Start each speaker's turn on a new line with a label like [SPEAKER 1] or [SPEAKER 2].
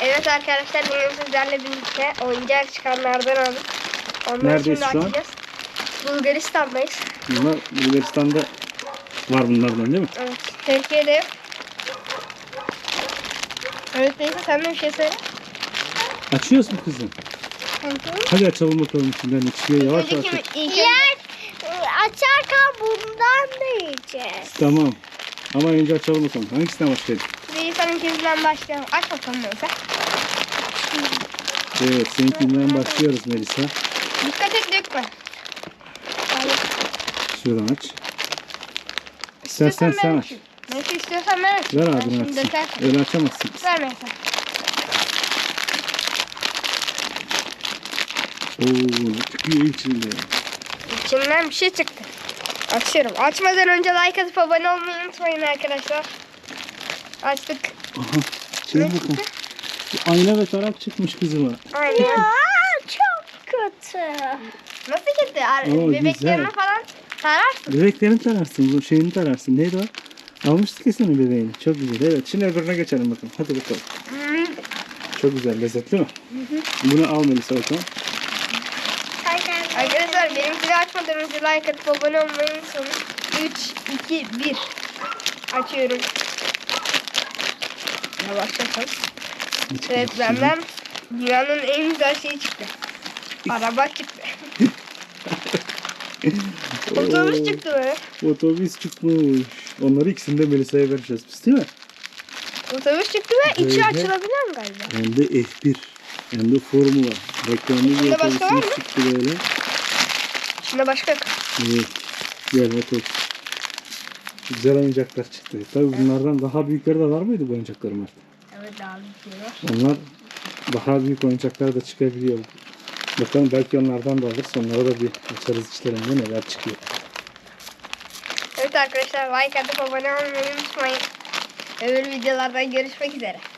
[SPEAKER 1] Evet arkadaşlar, bugün sizlerle birlikte oyuncak çıkanlardan aldık. Onları
[SPEAKER 2] Neredeyiz
[SPEAKER 1] şimdi
[SPEAKER 2] şu an?
[SPEAKER 1] açacağız. Bulgaristan'dayız.
[SPEAKER 2] Bunlar Bulgaristan'da var bunlardan değil mi?
[SPEAKER 1] Evet. Türkiye'de yok. Evet, neyse sen de bir şey söyle.
[SPEAKER 2] Açıyoruz mu kızım? Hadi açalım bakalım içinden ne çıkıyor. Yavaş yavaş.
[SPEAKER 3] Yer açarken bundan da yiyeceğiz.
[SPEAKER 2] Tamam. Ama önce açalım bakalım. Hangisinden başlayalım?
[SPEAKER 1] Melisa'nınkinden başlayalım. Aç bakalım Melisa.
[SPEAKER 2] Evet, seninkinden başlıyoruz Melisa.
[SPEAKER 1] Dikkat et, dökme.
[SPEAKER 2] Şuradan aç. İstersen sen aç.
[SPEAKER 1] Melisa istiyorsan ben aç.
[SPEAKER 2] Ver
[SPEAKER 1] Ben
[SPEAKER 2] abine
[SPEAKER 1] şimdi
[SPEAKER 2] açsın.
[SPEAKER 1] dökersin.
[SPEAKER 2] Öyle açamazsın.
[SPEAKER 1] Ver Melisa.
[SPEAKER 2] Oo, çıkıyor içinde.
[SPEAKER 1] İçinden bir şey çıktı. Açıyorum. Açmadan önce like atıp abone olmayı unutmayın arkadaşlar. Açtık.
[SPEAKER 2] Aha, şey
[SPEAKER 1] Ne
[SPEAKER 2] bakın.
[SPEAKER 1] çıktı?
[SPEAKER 2] Ayna ve tarak çıkmış kızıma.
[SPEAKER 1] Aynen.
[SPEAKER 3] Ya çok kötü.
[SPEAKER 1] Nasıl gitti?
[SPEAKER 2] Oo,
[SPEAKER 1] Bebeklerine
[SPEAKER 2] güzel.
[SPEAKER 1] falan tararsın.
[SPEAKER 2] Bebeklerini tararsın, bu şeyini tararsın. Neydi o? Almıştık ya senin bebeğini. Çok güzel. Evet, şimdi öbürüne geçelim bakalım. Hadi bakalım. Çok güzel, lezzetli mi? Bunu al Melisa bakalım.
[SPEAKER 1] Arkadaşlar, benimkini açmadan önce like atıp abone olmayı unutmayın. 3, 2, 1. Açıyorum. Yavaşlatalım. Evet, benden dünyanın en güzel şeyi çıktı. Araba çıktı. Otobüs çıktı be.
[SPEAKER 2] Otobüs çıkmış. Onları ikisini de Melisa'ya vereceğiz biz değil mi?
[SPEAKER 1] Otobüs çıktı ve içi
[SPEAKER 2] Böyle.
[SPEAKER 1] açılabiliyor mu galiba?
[SPEAKER 2] Hem de F1. Hem de Formula. Reklamlı bir
[SPEAKER 1] İçinde başka var mı?
[SPEAKER 2] otobüsümüz çıktı böyle.
[SPEAKER 1] İçinde başka yok.
[SPEAKER 2] Evet. Gel bakalım. Güzel oyuncaklar çıktı. Tabii bunlardan daha büyükleri de var mıydı bu oyuncaklar Mert?
[SPEAKER 1] Evet, daha bir
[SPEAKER 2] Onlar daha büyük oyuncaklar da çıkabiliyor. Bakalım, belki onlardan da alırız. Onlara da bir açarız içlerinde neler çıkıyor.
[SPEAKER 1] Evet arkadaşlar, like atıp abone olmayı unutmayın. Öbür videolardan görüşmek üzere.